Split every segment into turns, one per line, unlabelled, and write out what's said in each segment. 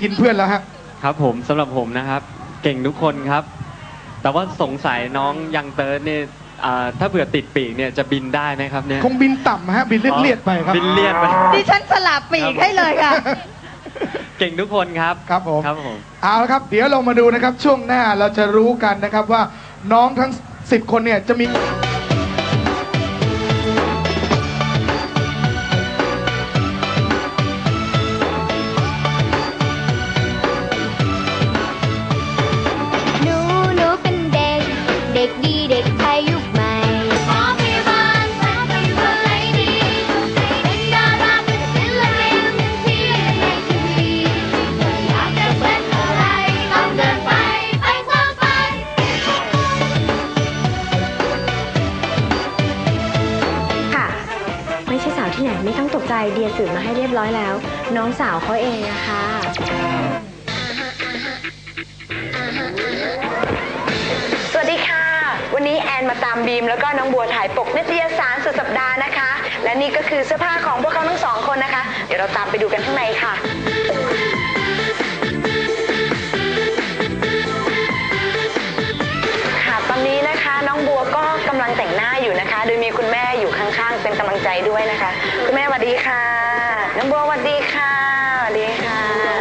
กินเพื่อนแล้วฮะ
ครับผมสำหรับผมนะครับเก่งทุกคนครับแต่ว่าสงสัยน้องยังเติร์ดเนี่ยถ้าเผื่อติดปีกเนี่ยจะบินได้ไหมครับเนี่ย
คงบินต่ำฮะบินเลียดๆไปครับ
บินเลียดไป
ดิฉันสลับปีกให้เลยค่ะ
เก่งทุกคนครับ
ครับผม
ครับ
เอาละครับเดี๋ยวเรามาดูนะครับช่วงหน้าเราจะรู้กันนะครับว่าน้องทั้ง10คนเนี่ยจะมี
ที่ไหนไม่ต้องตกใจเดียสืบมาให้เรียบร้อยแล้วน้องสาวเขาเองนะคะสวัสดีค่ะวันนี้แอนมาตามบีมแล้วก็น้องบัวถ่ายปกนิตยสารสุดสัปดาห์นะคะและนี่ก็คือเสื้อผ้าของพวกเขาทั้งสองคนนะคะเดี๋ยวเราตามไปดูกันข้างในค่ะตอนนี้นะคะน้องบัวก็กำลังแต่งหน้าอยู่นะคะโดยมีคุณแม่อยู่ข้างๆเป็นกำลังใจด้วยนะคะคุณแม่สวัสดีค่ะน้องบัวสวัสดีค่ะสวัสดีค่ะ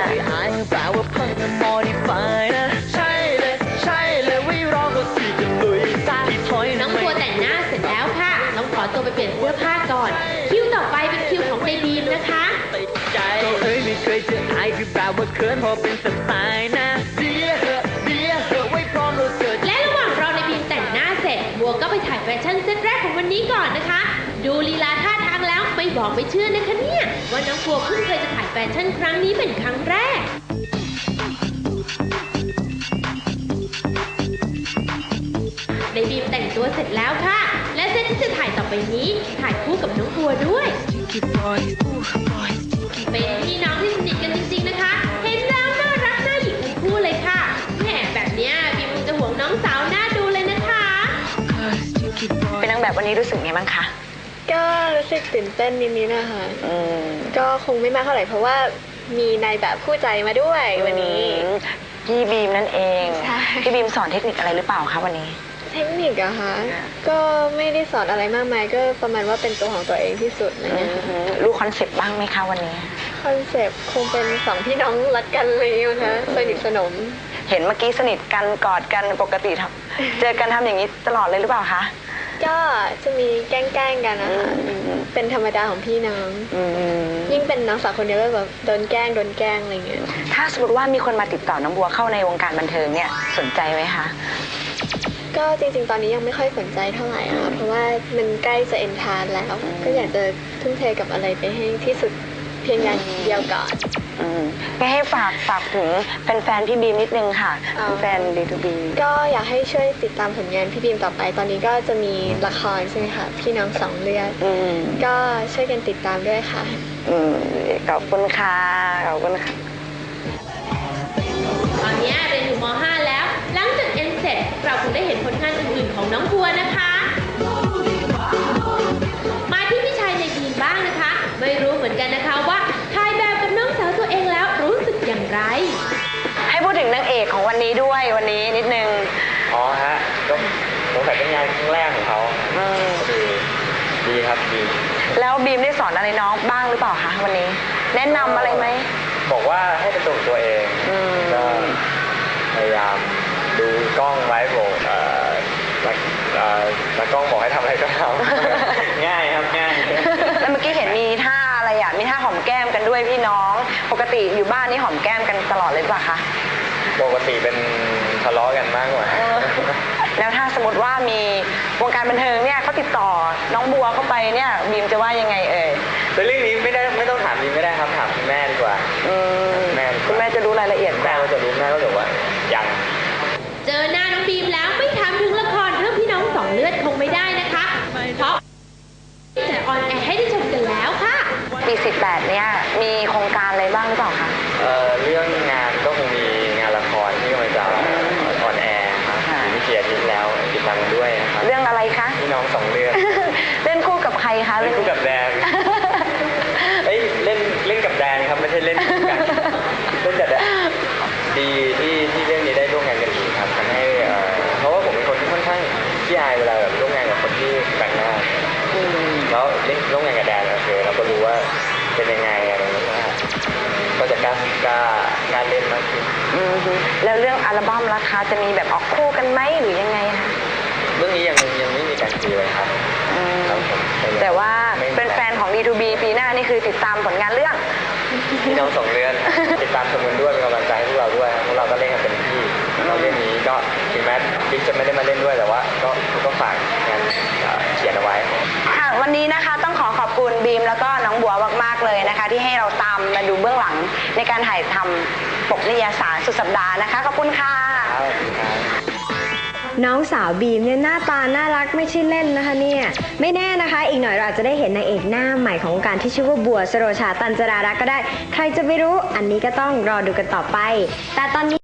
น้องบัวแต่งหน้าเสร็จแล้วค่ะน้องขอตัวไปเปลี่ยนเสื้อผ้าก่อนคิวต่อไปเป็นคิวของในบีมนะคะไม่เคยเจอใครคือแบบว่าเขินพอเป็นสไตล์นะและระหว่างรอในบีมแต่งหน้าเสร็จบัวก็ไปถ่ายแฟชั่นเซตแรกของวันนี้ก่อนนะคะดูลีลาท่าทางแล้วไม่บอกไม่เชื่อนะคะเนี่ยว่าน้องบัวเพิ่งเคยจะถ่ายแฟชั่นครั้งนี้เป็นครั้งแรกในบีมแต่งตัวเสร็จแล้วค่ะและเซตที่จะถ่ายต่อไปนี้ถ่ายคู่กับน้องบัวด้วยเป็นพี่น้องที่สนิทกันจริงๆนะคะเห็นแล้วน่ารักน่าหยิกทั้งคู่เลยค่ะแหมแบบเนี้ยบีมจะห่วงน้องสาวน่าดูเลยนะคะ
เป็นนางแบบวันนี้รู้สึกไงบ้างคะ
ก็รู้สึกตื่นเต้นนิดๆนะคะก็คงไม่มากเท่าไหร่เพราะว่ามีนายแบบคู่ใจมาด้วยวันนี้
พี่บีมนั่นเองพี่บีมสอนเทคนิคอะไรหรือเปล่าคะวันนี้
เทคนิคอะคะก็ไม่ได้สอนอะไรมากมายก็ประมาณว่าเป็นตัวของตัวเองที่สุดนะคะ
รู้คอนเซปต์บ้างไหมคะวันนี้
คอนเซปต์คงเป็นสองพี่น้องรักกันเลยนะคะสนิทสนม
เห็นเมื่อกี้สนิทกันกอดกันปกติเจอกันทำอย่างนี้ตลอดเลยหรือเปล่าคะ
ก็จะมีแกล้งกันนะคะเป็นธรรมดาของพี่น้องยิ่งเป็นน้องสาวคนเดียวก็แบบโดนแกล้งอะไรเงี้ย
ถ้าสมมติว่ามีคนมาติดต่อน้องบัวเข้าในวงการบันเทิงเนี่ยสนใจไหมคะ
ก็จริงๆตอนนี้ยังไม่ค่อยสนใจเท่าไหร่ค่ะเพราะว่ามันใกล้จะเอ็นทานแล้วก็อยากจะทุ่มเทกับอะไรไปให้ที่สุดเพียงอย่างเดียวก่อน
ก็ให้ฝากถึงแฟนๆพี่บีมนิดนึงค่ะแฟน D2B
ก็อยากให้ช่วยติดตามผลงานพี่บีมต่อไปตอนนี้ก็จะมีละครใช่ไหมคะพี่น้องสองเลือดก็ช่วยกันติดตามด้วยค่ะ
ขอบคุณค่ะขอบคุณค่ะ
ตอนนี้เรียนอยู่ม.5 แล้วหลังจากเอ็นเสร็จเราคงได้เห็นผลงานอื่นๆของน้องบัวนะคะมาที่พี่ชายในทีมบ้างนะคะไม่รู้เหมือนกันนะคะว่าถ่ายแบบกับน้องสาวตัวเองแล้วรู้สึกอย่างไร
ให้พูดถึงนางเอกของวันนี้ด้วยวันนี้นิดนึง
ฮะก็สงสัยเป็นงานครั้งแรกของเขาดีครับดี
แล้วบีมได้สอนอะไรน้องบ้างหรือเปล่าคะวันนี้แนะนำอะไรไหม
บอกว่าให้เป็นตัวเองก็พยายามดูกล้องไว้บอกแล้วกล้องบอกให้ทำอะไรก็ทำง่ายครับง่าย
แล้วเมื่อกี้เห็นมีท่าอะไรอ่ะมีท่าหอมแก้มกันด้วยพี่น้องปกติอยู่บ้านนี่หอมแก้มกันตลอดเลยป่ะคะ
ปกติเป็นทะเลาะกันมากกว่า
แล้วถ้าสมมติว่ามีวงการบันเทิงเนี่ยเขาติดต่อน้องบัวเข้าไปเนี่ยบีมจะว่ายังไงเอ่ย
เรื่องนี้ไม่ต้องถามบีมไม่ได้ครับถามคุณแม่ดีกว่า
คุณแม่จะรู้รายละเอียด
แม่ก็จะรู้แม่ก็จะว่ายัง
เจอหน้าน้องบีมแล้วไม่ถามถึงละครเรื่องพี่น้องสองเลือดคงไม่ได้นะคะเพราะจะออนแอร์ให้ได้ชมกันแล้วค่ะ
ปี18เนี่ยมีโครงการอะไรบ้างหรือเปล่าคะ
เรื่องงานก็คงมีงานละครที่กำลังจะออนแอร์ครับมีเกียรติแล้วติดตามด้วยนะครับ
เรื่องอะไรคะ
พี่น้องสองเลือด
เล่นคู่กับใครคะ
เล่นคู่กับแดนเล่นกับแดนครับไม่ใช่เล่นคู่กันเล่นกับแดน
ก็งานเล่นมากขึ้น
แล้วเรื่องอัลบั้มราคาจะมีแบบออกคู่กันไหมหรือยังไงคะ
เรื่องนี้ยังไม่มีการคุยเลยครับครับผม
แต่ว่าเป็นแฟนของ D2B ปีหน้านี่คือติดตามผลงานเรื่อง
พี่น้องสองเรื่องติดตามชมกันด้วยเป็นกำลังใจให้พวกเราด้วยพวกเราก็เล่นกันเต็มที่เราเรื่องนี้ก็ถึงแม้บิ๊กจะไม่ได้มาเล่นด้วยแต่ว่าก็ฝากงานเขียนเอาไว้
ค่ะวันนี้นะคะต้องขอบคุณบีมแล้วก็น้องบัวมากๆเลยนะคะ ที่ให้เราตามมาดูเบื้องหลังในการถ่ายทำปกนิตยสารสุดสัปดาห์นะคะขอบคุณค่ะ
น้องสาวบีมเนี่ยหน้าตาน่ารักไม่ใช่เล่นนะคะเนี่ยไม่แน่นะคะอีกหน่อยเราอาจจะได้เห็นนางเอกหน้าใหม่ของวงการที่ชื่อว่าบัวสโรชาตันจรารักษ์ก็ได้ใครจะไปรู้อันนี้ก็ต้องรอดูกันต่อไปแต่ตอนนี้